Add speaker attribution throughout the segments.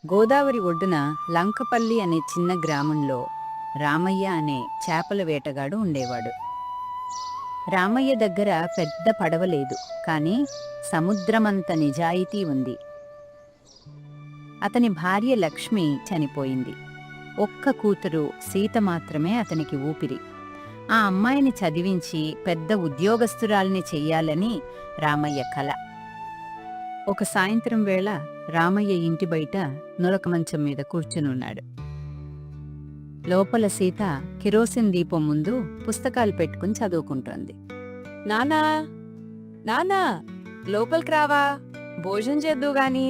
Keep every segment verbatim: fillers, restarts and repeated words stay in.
Speaker 1: గోదావరి ఒడ్డున లంకపల్లి అనే చిన్న గ్రామంలో రామయ్య అనే చేపల వేటగాడు ఉండేవాడు. రామయ్య దగ్గర పెద్ద పడవ లేదు, కానీ సముద్రమంత నిజాయితీ ఉంది. అతని భార్య లక్ష్మి చనిపోయింది. ఒక్క కూతురు సీత మాత్రమే అతనికి ఊపిరి. ఆ అమ్మాయిని చదివించి పెద్ద ఉద్యోగస్తురాల్ని చెయ్యాలని రామయ్య కల. ఒక సాయంత్రం వేళ రామయ్య ఇంటి బయట నులక మంచం మీద కూర్చునున్నాడు. లోపల సీత కిరోసిన్ దీపం ముందు పుస్తకాలు పెట్టుకుని చదువుకుంటోంది.
Speaker 2: నానా నానా లోపలికి రావా, భోజనం చేద్దు గాని.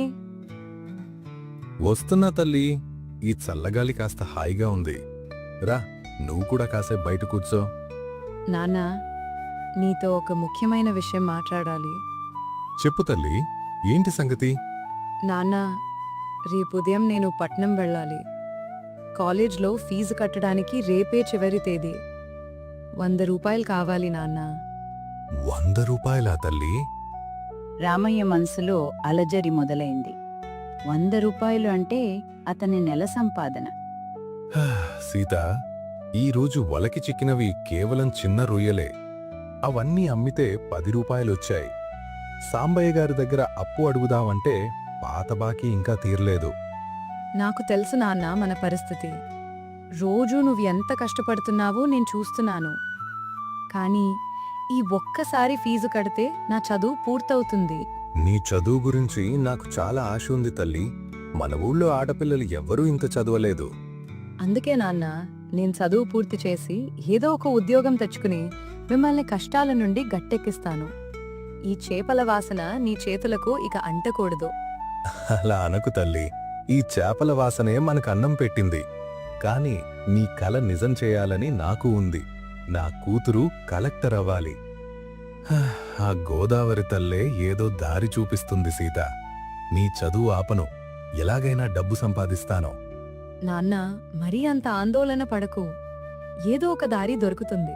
Speaker 3: వస్తున్నా తల్లి. ఈ చల్లగాలి కాస్త హాయిగా ఉంది. రా, నువ్వు కూడా కాసేపు బయట కూర్చో.
Speaker 2: నానా, నీతో ఒక ముఖ్యమైన విషయం మాట్లాడాలి.
Speaker 3: చెప్పు తల్లి, ఏంటి సంగతి?
Speaker 2: నాన్నా, రేపు ఉదయం నేను పట్నం వెళ్ళాలి. కాలేజ్లో ఫీజు కట్టడానికి రేపే చివరి తేదీ. వంద రూపాయలు కావాలి నాన్నా.
Speaker 3: వంద రూపాయలా తల్లి?
Speaker 1: రామయ్య మనసులో అలజడి మొదలైంది. వంద రూపాయలు అంటే అతని నెల సంపాదన.
Speaker 3: హా, సీత, ఈరోజు వలకి చిక్కినవి కేవలం చిన్న రొయ్యలే. అవన్నీ అమ్మితే పది రూపాయలొచ్చాయి. సాంబయ్య గారి దగ్గర అప్పు అడుగుదామంటే పాత బాకీ ఇంకా తీరలేదు.
Speaker 2: నాకు తెలుసు నాన్న మన పరిస్థితి. రోజూ నువ్వు ఎంత కష్టపడుతున్నావో నేను చూస్తున్నాను. కానీ ఈ ఒక్కసారి ఫీజు కడితే నా చదువు పూర్తవుతుంది.
Speaker 3: నీ చదువు గురించి నాకు చాలా ఆశ ఉంది తల్లి. మన ఊళ్ళో ఆడపిల్లలు ఎవ్వరూ ఇంత చదవలేదు.
Speaker 2: అందుకే నాన్న, నేను చదువు పూర్తి చేసి ఏదో ఒక ఉద్యోగం తెచ్చుకుని మిమ్మల్ని కష్టాల నుండి గట్టెక్కిస్తాను. ఈ చేపల వాసన నీ చేతులకు ఇక అంటకూడదు.
Speaker 3: అలా అనకు తల్లి. ఈ చేపల వాసనే మనకు అన్నం పెట్టింది. కాని నీ కల నిజం చేయాలని నాకు ఉంది. నా కూతురు కలెక్టర్ అవ్వాలి. హ, ఆ గోదావరి తల్లే ఏదో దారి చూపిస్తుంది సీత. నీ చదువు ఆపను. ఎలాగైనా డబ్బు సంపాదిస్తాను.
Speaker 2: నాన్న, మరీ అంత ఆందోళన పడకు. ఏదో ఒక దారి దొరుకుతుంది.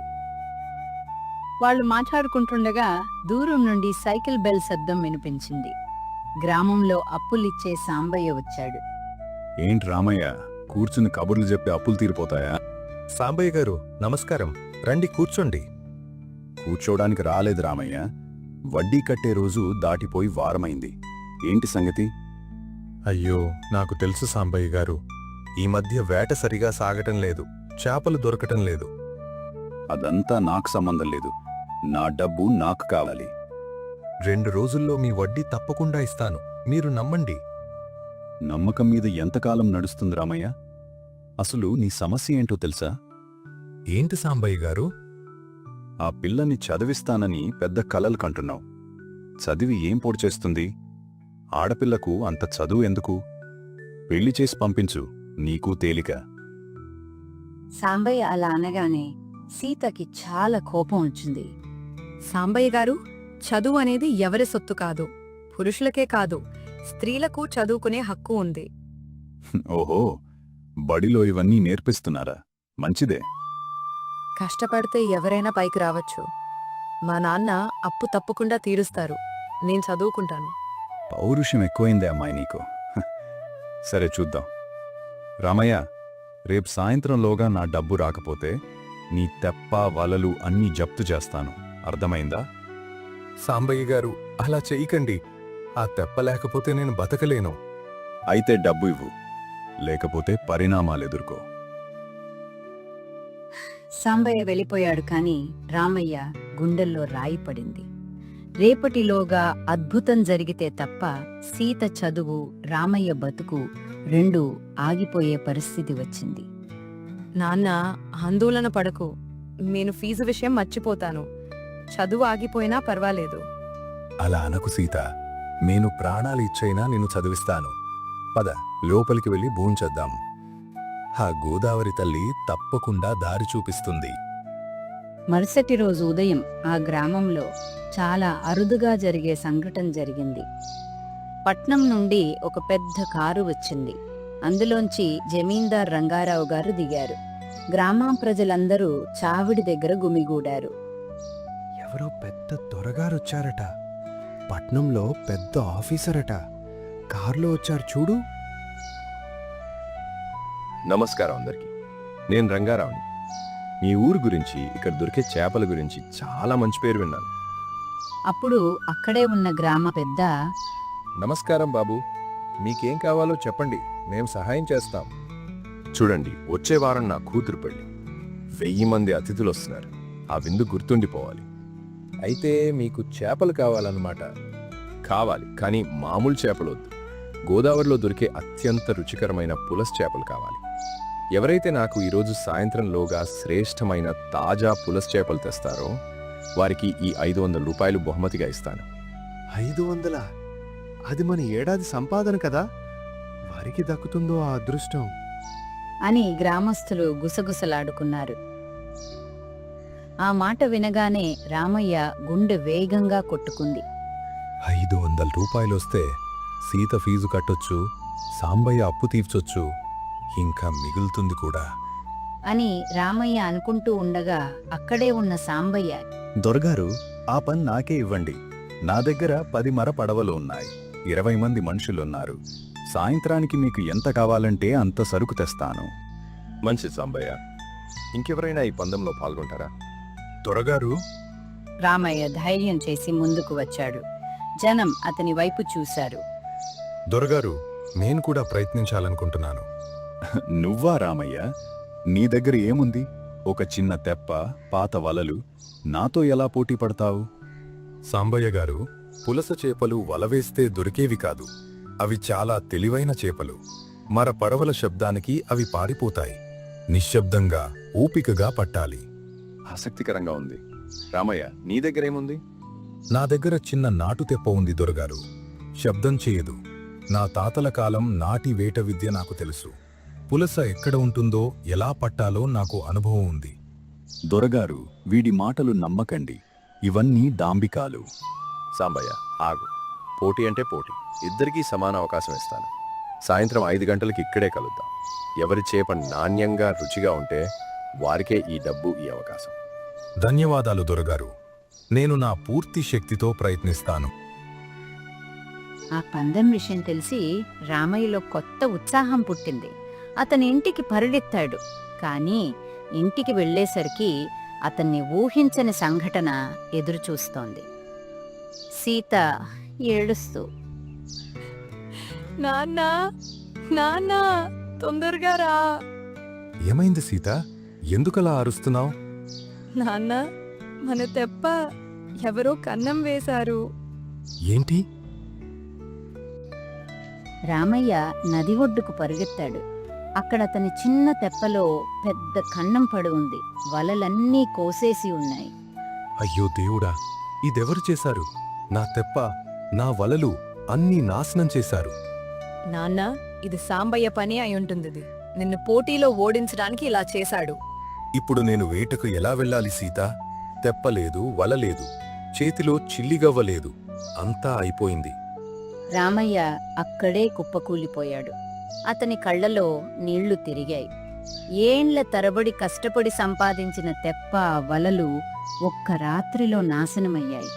Speaker 1: వాళ్ళు మాట్లాడుకుంటుండగా దూరం నుండి సైకిల్ బెల్ శబ్దం వినిపించింది. గ్రామంలో అప్పులిచ్చే సాంబయ్య వచ్చాడు.
Speaker 4: ఏంటి రామయ్య, కూర్చుని కబుర్లు చెప్పి అప్పులు తీరిపోతాయా?
Speaker 3: సాంబయ్య గారు, నమస్కారం. రండి, కూర్చోండి.
Speaker 4: కూర్చోడానికి రాలేదు రామయ్య. వడ్డీ కట్టే రోజు దాటిపోయి వారమైంది. ఏంటి సంగతి?
Speaker 3: అయ్యో, నాకు తెలుసు సాంబయ్య గారు. ఈ మధ్య వేట సరిగా సాగటం లేదు. చేపలు దొరకటం లేదు.
Speaker 4: అదంతా నాకు సంబంధం లేదు. నా డబ్బు నాకు కావాలి.
Speaker 3: రెండు రోజుల్లో మీ వడ్డీ తప్పకుండా ఇస్తాను. మీరు నమ్మండి.
Speaker 4: నమ్మకం మీద ఎంతకాలం నడుస్తుంది రామయ్య? అసలు నీ సమస్య ఏంటో తెలుసా?
Speaker 3: ఏంటి సాంబయ్య గారు?
Speaker 4: ఆ పిల్లని చదివిస్తానని పెద్ద కలలు కంటున్నావు. చదివి ఏం పోడు చేస్తుంది? ఆడపిల్లకు అంత చదువు ఎందుకు? పెళ్లి చేసి పంపించు, నీకు తేలిక.
Speaker 1: సాంబయ్య అలా అనగానే సీతకి చాలా కోపం వచ్చింది.
Speaker 2: సాంబయ్య గారు, చదువు అనేది ఎవరి సొత్తు కాదు. పురుషులకే కాదు, స్త్రీలకు చదువుకునే హక్కు ఉంది.
Speaker 4: ఓహో, బడిలో ఇవన్నీ నేర్పిస్తున్నారా? మంచిదే.
Speaker 2: కష్టపడితే ఎవరైనా పైకి రావచ్చు. మా నాన్న అప్పు తప్పకుండా తీరుస్తారు. నేను చదువుకుంటాను.
Speaker 4: పౌరుషం ఎక్కువైందే అమ్మాయి నీకు. హ, సరే చూద్దాం. రామయ్య, రేపు సాయంత్రంలోగా నా డబ్బు రాకపోతే నీ తెప్ప వలలు అన్నీ జప్తు చేస్తాను. అర్థమైందా?
Speaker 3: సాంబయ్య గారు, అలా చెయ్యకండి. ఆ తెప్ప లేకపోతే నేను బతకలేను.
Speaker 4: అయితే డబ్బు ఇవ్వు, లేకపోతే పరిణామాలెదుర్కో.
Speaker 1: సాంబయ్య వెళ్ళిపోయాడు. కాని రామయ్య గుండెల్లో రాయి పడింది. రేపటిలోగా అద్భుతం జరిగితే తప్ప సీత చదువు, రామయ్య బతుకు రెండూ ఆగిపోయే పరిస్థితి వచ్చింది.
Speaker 2: నాన్న, ఆందోళన పడకు. నేను ఫీజు విషయం మర్చిపోతాను. చదువు ఆగిపోయినా పర్వాలేదు.
Speaker 3: అలా అనకు సీత. నేను ప్రాణాలు ఇచ్చైనా నిన్ను చదివిస్తాను. పద, లోపలికి వెళ్ళి భూంచేద్దాం. ఆ గోదావరి తల్లి తప్పకుండా దారి చూపిస్తుంది.
Speaker 1: మరుసటి రోజు ఉదయం ఆ గ్రామంలో చాలా అరుదుగా జరిగే సంఘటన జరిగింది. పట్నం నుండి ఒక పెద్ద కారు వచ్చింది. అందులోంచి జమీందార్ రంగారావు గారు దిగారు. గ్రామం ప్రజలందరూ చావిడి దగ్గర గుమిగూడారు.
Speaker 5: ఎవరో పెద్ద దొరగారొచ్చారట. పట్నంలో పెద్ద ఆఫీసరట. కారులో వచ్చారు చూడు.
Speaker 4: నమస్కారం అందరికీ. నేను రంగారావుని. మీ ఊరు గురించి, ఇక్కడ దొరికే చేపల గురించి చాలా మంచి పేరు విన్నాను.
Speaker 1: అప్పుడు అక్కడే ఉన్న గ్రామ పెద్ద,
Speaker 3: నమస్కారం బాబు, మీకేం కావాలో చెప్పండి, మేం సహాయం చేస్తాం.
Speaker 4: చూడండి, వచ్చే వారం నా కూతురు పెళ్లి. వెయ్యి మంది అతిథులు వస్తున్నారు. ఆ విందు గుర్తుండిపోవాలి.
Speaker 3: అయితే మీకు చేపలు కావాలన్నమాట.
Speaker 4: కావాలి, కానీ మామూలు చేపలు వద్దు. గోదావరిలో దొరికే అత్యంత రుచికరమైన పులస చేపలు కావాలి. ఎవరైతే నాకు ఈరోజు సాయంత్రంలోగా శ్రేష్టమైన తాజా పులస చేపలు తెస్తారో వారికి ఈ ఐదు వందల రూపాయలు బహుమతిగా ఇస్తాను.
Speaker 5: ఐదు వందల అది మన ఏడాది సంపాదన కదా, వారికి దక్కుతుందో ఆ అదృష్టం.
Speaker 1: అని గ్రామస్తులు గుసగుసలాడుకున్నారు. ఆ మాట వినగానే రామయ్య గుండె వేగంగా కొట్టుకుంది.
Speaker 3: ఐదు వందల రూపాయలొస్తే సీత ఫీజు కట్టొచ్చు, సాంబయ్య అప్పు తీర్చొచ్చు, ఇంకా మిగులుతుంది కూడా.
Speaker 1: అని రామయ్య అనుకుంటూ ఉండగా అక్కడే ఉన్న సాంబయ్య,
Speaker 4: దొరగారు, ఆ పని నాకే ఇవ్వండి. నా దగ్గర పది మర పడవలు ఉన్నాయి. ఇరవై మంది మనుషులున్నారు. సాయంత్రానికి మీకు ఎంత కావాలంటే అంత సరుకు తెస్తాను. మంచిది సాంబయ్య. ఇంకెవరైనా ఈ పందెంలో పాల్గొంటారా?
Speaker 3: దొరగారు,
Speaker 1: రామయ్య ధైర్యం చేసి ముందుకు వచ్చాడు. జనం అతని వైపు చూశారు.
Speaker 3: దొరగారు, నేను కూడా ప్రయత్నించాలనుకుంటున్నాను.
Speaker 4: నువ్వా రామయ్య? నీ దగ్గర ఏముంది? ఒక చిన్న తెప్ప, పాత వలలు. నాతో ఎలా పోటీ పడతావు?
Speaker 3: సాంబయ్య గారు, పులస చేపలు వలవేస్తే దొరికేవి కాదు. అవి చాలా తెలివైన చేపలు. మర పడవల శబ్దానికి అవి పారిపోతాయి. నిశ్శబ్దంగా, ఓపికగా పట్టాలి.
Speaker 4: ఆసక్తికరంగా ఉంది. రామయ్య, నీ దగ్గరేముంది?
Speaker 3: నా దగ్గర చిన్న నాటు తెప్ప ఉంది దొరగారు. శబ్దం చేయదు. నా తాతల కాలం నాటి వేట విద్య నాకు తెలుసు. పులస ఎక్కడ ఉంటుందో, ఎలా పట్టాలో నాకు అనుభవం ఉంది.
Speaker 4: దొరగారు, వీడి మాటలు నమ్మకండి. ఇవన్నీ డాంబికాలు. సాంబయ్య, ఆగు. పోటీ అంటే పోటీ. ఇద్దరికీ సమాన అవకాశం ఇస్తాను. సాయంత్రం ఐదు గంటలకి ఇక్కడే కలుద్దాం. ఎవరి చేప నాణ్యంగా రుచిగా ఉంటే వారికే ఈ డబ్బు, ఈ అవకాశం.
Speaker 3: ధన్యవాదాలు దొరగారు. నేను నా పూర్తి శక్తితో ప్రయత్నిస్తాను.
Speaker 1: ఆ పందెం విషయం తెలిసి రామయ్యలో కొత్త ఉత్సాహం పుట్టింది. అతని ఇంటికి పరుడెత్తాడు. కానీ ఇంటికి వెళ్ళేసరికి అతన్ని ఊహించని సంఘటన ఎదురుచూస్తోంది. సీత ఏడుస్తూ,
Speaker 2: నాన్నా నాన్నా తొందరగా రా.
Speaker 3: ఏమైంది సీత? ఎందుకలా అరుస్తున్నావు?
Speaker 2: నాన్న, మన తెప్ప ఎవరో కన్నం వేశారు.
Speaker 3: ఏంటి?
Speaker 1: రామయ్య నది ఒడ్డుకు పరుగెత్తాడు. అక్కడ అతని చిన్న తెప్పలో పెద్ద కన్నం పడి ఉంది. వలలన్నీ కోసేసి ఉన్నాయి.
Speaker 3: అయ్యో దేవుడా, ఇదెవరు చేశారు? నా తెప్ప, నా వలలు అన్నీ నాశనం చేశారు.
Speaker 2: నాన్న, ఇది సాంబయ్య పని అయి ఉంటుంది. నిన్ను పోటీలో ఓడించడానికి ఇలా చేశాడు.
Speaker 3: ఇప్పుడు నేను వేటకు ఎలా వెళ్ళాలి సీత? తెప్పలేదు, వలలేదు, చేతిలో చిల్లిగవ్వలేదు. అంతా అయిపోయింది.
Speaker 1: రామయ్య అక్కడే కుప్పకూలిపోయాడు. అతని కళ్ళలో నీళ్లు తిరిగాయి. ఏండ్ల తరబడి కష్టపడి సంపాదించిన తెప్ప, వలలు ఒక్క రాత్రిలో నాశనమయ్యాయి.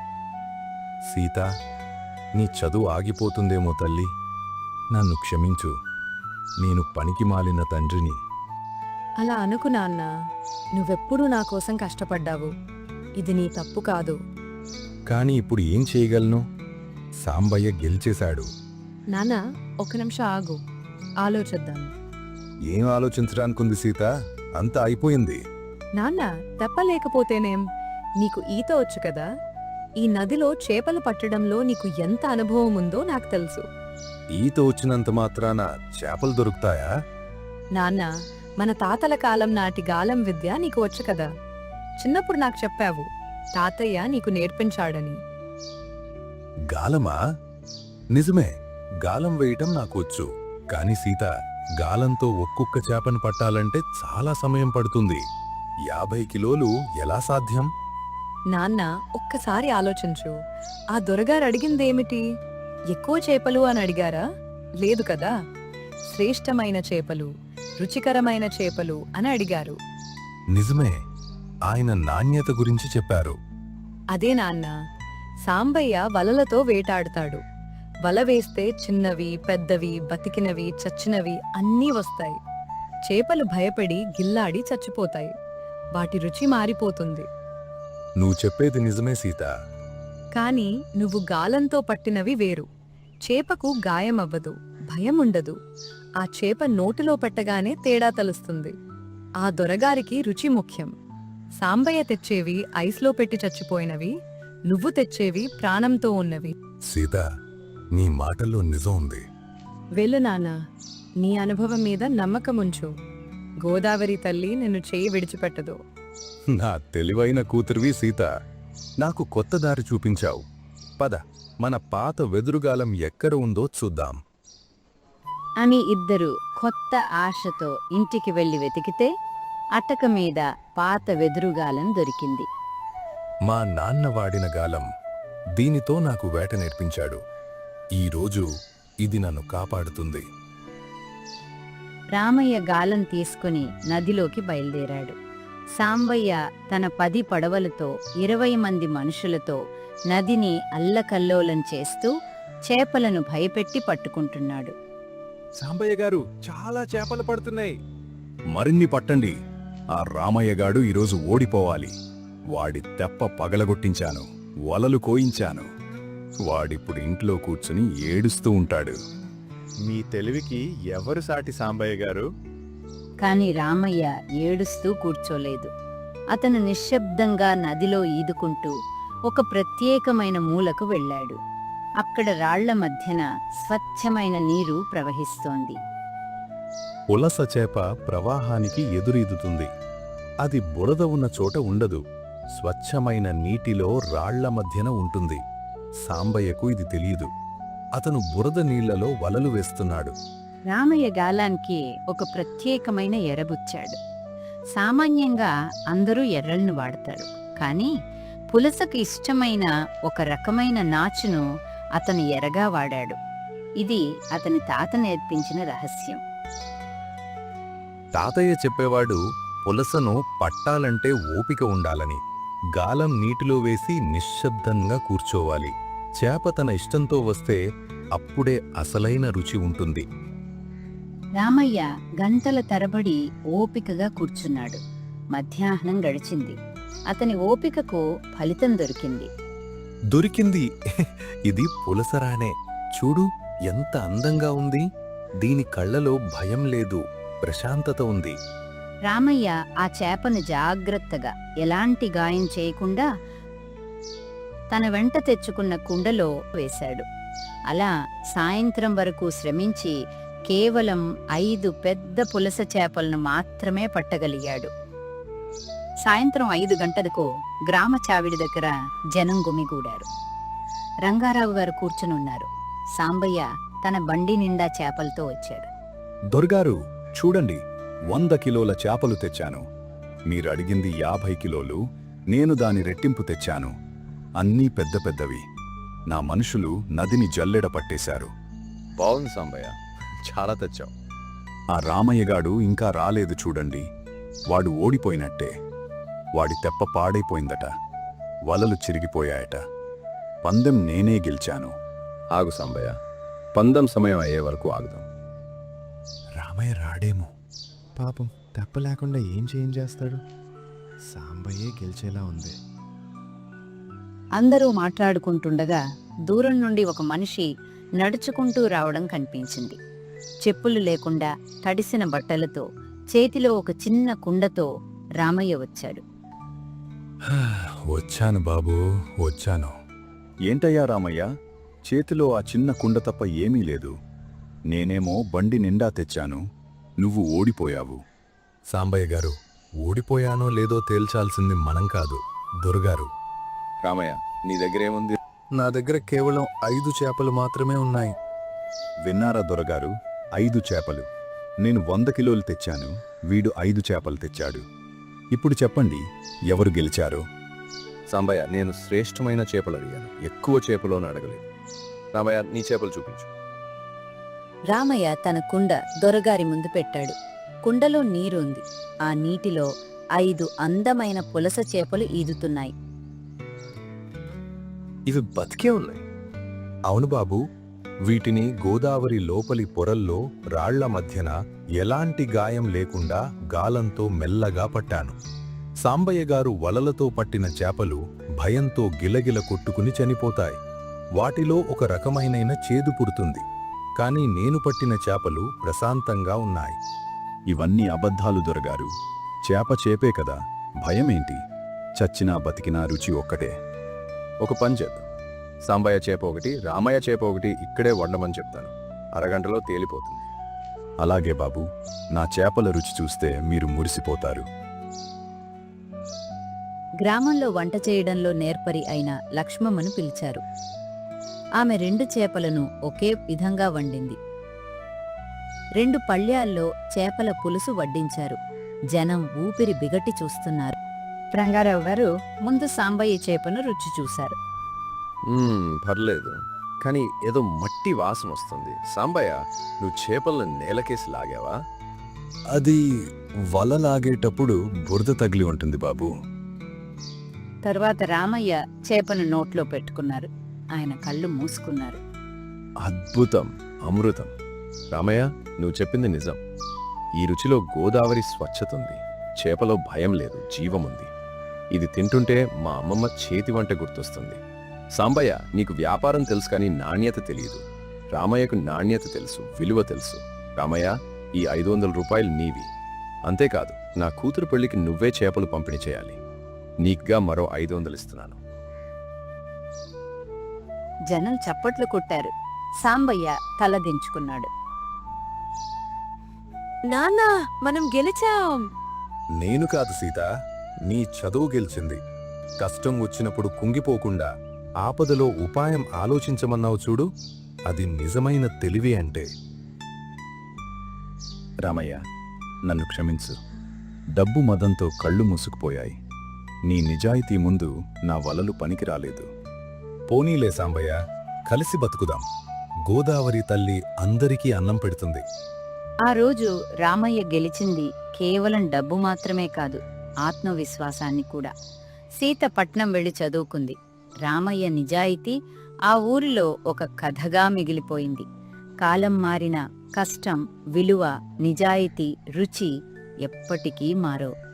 Speaker 3: సీత, నీ చదువు ఆగిపోతుందేమో తల్లి. నన్ను క్షమించు. నేను పనికి మాలిన తండ్రిని.
Speaker 2: అలా అనుకు నాన్న. నువ్వెప్పుడూ నా కోసం కష్టపడ్డావు. ఇది నీ తప్పు కాదు.
Speaker 3: కాని ఇప్పుడు ఏం చేయగలను? సాంబయ్య గెలిచేశాడు.
Speaker 2: నాన్న, ఒక నిమిషం ఆగు, ఆలోచిద్దాం.
Speaker 3: ఏం ఆలోచించడానికుంది సీత? అంతా అయిపోయింది.
Speaker 2: నాన్న, తెప్పలేకపోతేనేం? నీకు ఈత వచ్చు కదా. ఈ నదిలో చేపలు పట్టడంలో నీకు ఎంత అనుభవం ఉందో నాకు తెలుసు.
Speaker 3: ఈత వచ్చినంత మాత్రాన చేపలు దొరుకుతాయా?
Speaker 2: నాన్న, మన తాతల కాలం నాటి గాలం విద్య నీకు వచ్చు కదా. చిన్నప్పుడు నాకు చెప్పావు, తాతయ్య నీకు నేర్పించాడని.
Speaker 3: గాలమా? నిజమే, గాలం వేయటం నాకు వచ్చు. కాని సీత, గాలంతో ఒక్కొక్క చేపను పట్టాలంటే చాలా సమయం పడుతుంది. యాభై కిలోలు ఎలా సాధ్యం?
Speaker 2: నాన్న, ఒక్కసారి ఆలోచించు. ఆ దొరగారు అడిగిందేమిటి? ఎక్కువ చేపలు అని అడిగారా? లేదు కదా. శ్రేష్టమైన చేపలు, రుచికరమైన చేపలు అని అడిగారు.
Speaker 3: నిజమే, ఆయన నాణ్యత గురించి చెప్పారు.
Speaker 2: అదే నాన్న. సాంబయ్య వలలతో వేటాడుతాడు. వల వేస్తే చిన్నవి, పెద్దవి, బతికినవి, చచ్చినవి అన్నీ వస్తాయి. చేపలు భయపడి గిల్లాడి చచ్చిపోతాయి. వాటి రుచి మారిపోతుంది.
Speaker 3: నువ్వు చెప్పేది నిజమే సీత.
Speaker 2: కాని నువ్వు గాలంతో పట్టినవి వేరు. చేపకు గాయమవ్వదు, భయముండదు. ఆ చేప నోటిలో పెట్టగానే తేడా తెలుస్తుంది. ఆ దొరగారికి రుచి ముఖ్యం. సాంబయ్య తెచ్చేవి ఐస్లో పెట్టి చచ్చిపోయినవి, నువ్వు తెచ్చేవి ప్రాణంతో ఉన్నవి.
Speaker 3: సీత, నీ మాటల్లో నిజం ఉంది.
Speaker 2: వెళ్ళు నాన్న, నీ అనుభవం మీద నమ్మకముంచు. గోదావరి తల్లి నిన్ను చేయి విడిచిపెట్టదు.
Speaker 3: నా తెలివైన కూతురివి సీత. నాకు కొత్త దారి చూపించావు. పద, మన పాత వెదురుగాలం ఎక్కడ ఉందో చూద్దాం.
Speaker 1: అని ఇద్దరు కొత్త ఆశతో ఇంటికి వెళ్లి వెతికితే అటక మీద పాత వెదురుగాలం దొరికింది.
Speaker 3: మా నాన్న వాడిన గాలం. దీనితో నాకు వేట నేర్పించాడు. ఈరోజు ఇది నన్ను కాపాడుతుంది.
Speaker 1: రామయ్య గాలం తీసుకుని నదిలోకి బయలుదేరాడు. సాంబయ్య తన పది పడవలతో ఇరవై మంది మనుషులతో నదిని అల్లకల్లోలం చేస్తూ చేపలను భయపెట్టి పట్టుకుంటున్నాడు.
Speaker 4: సాంబయ్య గారు, చాలా చేపలు పడుతున్నాయి. మరిన్ని పట్టండి. ఆ రామయ్యగాడు ఈరోజు ఓడిపోవాలి. వాడి తెప్ప పగలగొట్టించాను, వలలు కోయించాను. వాడిప్పుడు ఇంట్లో కూర్చుని ఏడుస్తూ ఉంటాడు.
Speaker 5: మీ తెలివికి ఎవరు సాటి సాంబయ్య గారు?
Speaker 1: కాని రామయ్య ఏడుస్తూ కూర్చోలేదు. అతను నిశ్శబ్దంగా నదిలో ఈదుకుంటూ ఒక ప్రత్యేకమైన మూలకు వెళ్ళాడు. అక్కడ రాళ్ల మధ్యన స్వచ్ఛమైన నీరు ప్రవహిస్తోంది.
Speaker 3: పులస చేప ప్రవాహానికి ఎదురీదుతుంది. అది బురద ఉన్న చోట ఉండదు. స్వచ్ఛమైన నీటిలో రాళ్ల మధ్యన ఉంటుంది. సాంబయ్యకు ఇది తెలియదు. అతను బురద నీళ్లలో వలలు వేస్తున్నాడు.
Speaker 1: రామయ్య గాలానికి ఒక ప్రత్యేకమైన ఎరబుచ్చాడు. సామాన్యంగా అందరూ ఎర్రలను వాడతారు, కానీ పులసకు ఇష్టమైన ఒక రకమైన నాచును అతను ఎరగా వాడాడు. ఇది అతని తాత నేర్పించిన రహస్యం.
Speaker 3: తాతయ్య చెప్పేవాడు, పులసను పట్టాలంటే ఓపిక ఉండాలని. గాలం నీటిలో వేసి నిశ్శబ్దంగా కూర్చోవాలి. చేప తన ఇష్టంతో వస్తే అప్పుడే అసలైన రుచి ఉంటుంది.
Speaker 1: రామయ్య గంటల తరబడి ఓపికగా కూర్చున్నాడు. మధ్యాహ్నం గడిచింది. అతని ఓపికకు ఫలితం దొరికింది.
Speaker 3: దొరికింది! ఇది పులసరానే. చూడు, ఎంత అందంగా ఉంది. దీని కళ్ళలో భయం లేదు, ప్రశాంతత ఉంది.
Speaker 1: రామయ్య ఆ చేపను జాగ్రత్తగా, ఎలాంటి గాయం చేయకుండా తన వెంట తెచ్చుకున్న కుండలో వేశాడు. అలా సాయంత్రం వరకు శ్రమించి కేవలం ఐదు పెద్ద పులస చేపలను మాత్రమే పట్టగలిగాడు. సాయంత్రం ఐదు గంటలకు గ్రామ చావిడి దగ్గర జనం గుమిగూడారు. రంగారావు గారు కూర్చునున్నారు. సాంబయ్య తన బండి నిండా చేపలతో వచ్చాడు.
Speaker 4: దొరగారు, చూడండి, వంద కిలోల చేపలు తెచ్చాను. మీరడిగింది యాభై కిలోలు, నేను దాని రెట్టింపు తెచ్చాను. అన్నీ పెద్ద పెద్దవి. నా మనుషులు నదిని జల్లెడ పట్టేశారు.
Speaker 5: బాగుంది సాంబయ్య, చాలా తెచ్చావు.
Speaker 4: ఆ రామయ్యగాడు ఇంకా రాలేదు చూడండి. వాడు ఓడిపోయినట్టే. వాడి తెప్ప పాడైపోయిందట. వలలు చిరిగిపోయాయట. పందెం నేనే గెలిచాను.
Speaker 5: ఆగు సాంబయ్య, పందెం సమయం అయ్యే వరకు ఆగుదాం.
Speaker 3: రామయ్య రాడేమో.
Speaker 5: పాపం, తెప్ప లేకుండా ఏం చేయం చేస్తాడు? సాంబయ్యే గెలిచేలా ఉంది.
Speaker 1: అందరూ మాట్లాడుకుంటుండగా దూరం నుండి ఒక మనిషి నడుచుకుంటూ రావడం కనిపించింది. చెప్పులు లేకుండా తడిసిన బట్టలతో, చేతిలో ఒక చిన్న కుండతో రామయ్య వచ్చాడు.
Speaker 3: వచ్చాను బాబూ, వచ్చాను.
Speaker 4: ఏంటయ్యా రామయ్య, చేతిలో ఆ చిన్న కుండ తప్ప ఏమీ లేదు. నేనేమో బండి నిండా తెచ్చాను. నువ్వు ఓడిపోయావు.
Speaker 3: సాంబయ్య గారు, ఓడిపోయానో లేదో తేల్చాల్సింది మనం కాదు, దొరగారు.
Speaker 5: రామయ్య, నీ దగ్గర ఏముంది?
Speaker 3: నా దగ్గర కేవలం ఐదు చేపలు మాత్రమే ఉన్నాయి.
Speaker 4: విన్నారా దొరగారు? ఐదు చేపలు. నేను వంద కిలోలు తెచ్చాను, వీడు ఐదు చేపలు తెచ్చాడు. ఇప్పుడు చెప్పండి, ఎవరు గెలిచారు?
Speaker 5: సాంబయ్య, నేను శ్రేష్టమైన చేపలు అడిగాను, ఎక్కువ చేపలోని అడగలేదు. రామయ్య, నీ చేపలు చూపించు.
Speaker 1: రామయ్య తన కుండ దొరగారి ముందు పెట్టాడు. కుండలో నీరుంది. ఆ నీటిలో ఐదు అందమైన పులస చేపలు ఈదుతున్నాయి.
Speaker 5: ఇవి బతికే ఉన్నాయి.
Speaker 3: అవును బాబూ, వీటిని గోదావరి లోపలి పొరల్లో రాళ్ల మధ్యన ఎలాంటి గాయం లేకుండా గాలంతో మెల్లగా పట్టాను. సాంబయ్య గారు వలలతో పట్టిన చేపలు భయంతో గిలగిల కొట్టుకుని చనిపోతాయి. వాటిలో ఒక రకమైనైన చేదు పుడుతుంది. కాని నేను పట్టిన చేపలు ప్రశాంతంగా ఉన్నాయి.
Speaker 4: ఇవన్నీ అబద్ధాలు దొరగారు. చేప చేపే కదా, భయమేంటి? చచ్చినా బతికినా రుచి ఒక్కటే.
Speaker 6: ఒక పని చేద్దాం. సాంబయ్య చేప ఒకటి, రామయ్య చేప ఒకటి ఇక్కడే వండమని చెప్తాను. అరగంటలో తేలిపోతుంది.
Speaker 4: అలాగే బాబు, నా చేపల రుచి చూస్తే మీరు మురిసిపోతారు.
Speaker 1: గ్రామంలో వంట చేయడంలో నేర్పరి అయిన లక్ష్మమ్మను పిలిచారు. ఆమె రెండు చేపలను ఒకే విధంగా వండింది. రెండు పళ్ళ్యాల్లో చేపల పులుసు వడ్డించారు. జనం ఊపిరి బిగట్టి చూస్తున్నారు. రంగారావు గారు ముందు సాంబయ్య చేపను రుచి చూశారు.
Speaker 6: మ్మ్, పర్లేదు, కానీ ఏదో మట్టి వాసన వస్తుంది. సాంబయ్య, నువ్వు చేపలను నేలకేసి లాగావా?
Speaker 4: అది వల లాగేటప్పుడు బురద తగిలి ఉంటుంది బాబు.
Speaker 1: తరువాత రామయ్య చేపను నోట్లో పెట్టుకున్నారు. ఆయన కళ్ళు మూసుకున్నారు.
Speaker 6: అద్భుతం, అమృతం. రామయ్య, నువ్వు చెప్పింది నిజం. ఈ రుచిలో గోదావరి స్వచ్ఛత ఉంది. చేపలో భయం లేదు, జీవముంది. ఇది తింటుంటే మా అమ్మమ్మ చేతి వంట గుర్తొస్తుంది. సాంబయ్య, నీకు వ్యాపారం తెలుసు కానీ నాణ్యత తెలియదు. రామయ్యకు నాణ్యత తెలుసు, విలువ తెలుసు. రామయ్య, ఈ ఐదు వందల రూపాయలు నీవి. అంతేకాదు, నా కూతురు పెళ్లికి నువ్వే చేపలు పంపిణీ చేయాలి. నీకుగా మరో ఐదు వందలు ఇస్తున్నాను.
Speaker 1: జనం చప్పట్లు కొట్టారు. సాంబయ్య తల దించుకున్నాడు.
Speaker 2: నాన్నా, మనం గెలిచాం.
Speaker 3: నేను కాదు సీత, నీ చదువు గెలిచింది. కష్టం వచ్చినప్పుడు కుంగిపోకుండా ఆపదలో ఉపాయం ఆలోచించమన్నావు చూడు, అది నిజమైన తెలివి అంటే.
Speaker 4: రామయ్య, నన్ను క్షమించు. డబ్బు మదంతో కళ్ళు మూసుకుపోయాయి. నీ నిజాయితీ ముందు నా వలలు పనికిరాలేదు.
Speaker 3: పోనీలే సాంబయ్య, కలిసి బతుకుదాం. గోదావరి తల్లి అందరికీ అన్నం పెడుతుంది.
Speaker 1: ఆ రోజు రామయ్య గెలిచింది కేవలం డబ్బు మాత్రమే కాదు, ఆత్మవిశ్వాసాన్ని కూడా. సీత పట్నం వెళ్లి చదువుకుంది. రామయ్య నిజాయితీ ఆ ఊరిలో ఒక కథగా మిగిలిపోయింది. కాలం మారిన కష్టం, విలువ, నిజాయితీ, రుచి ఎప్పటికీ మారవు.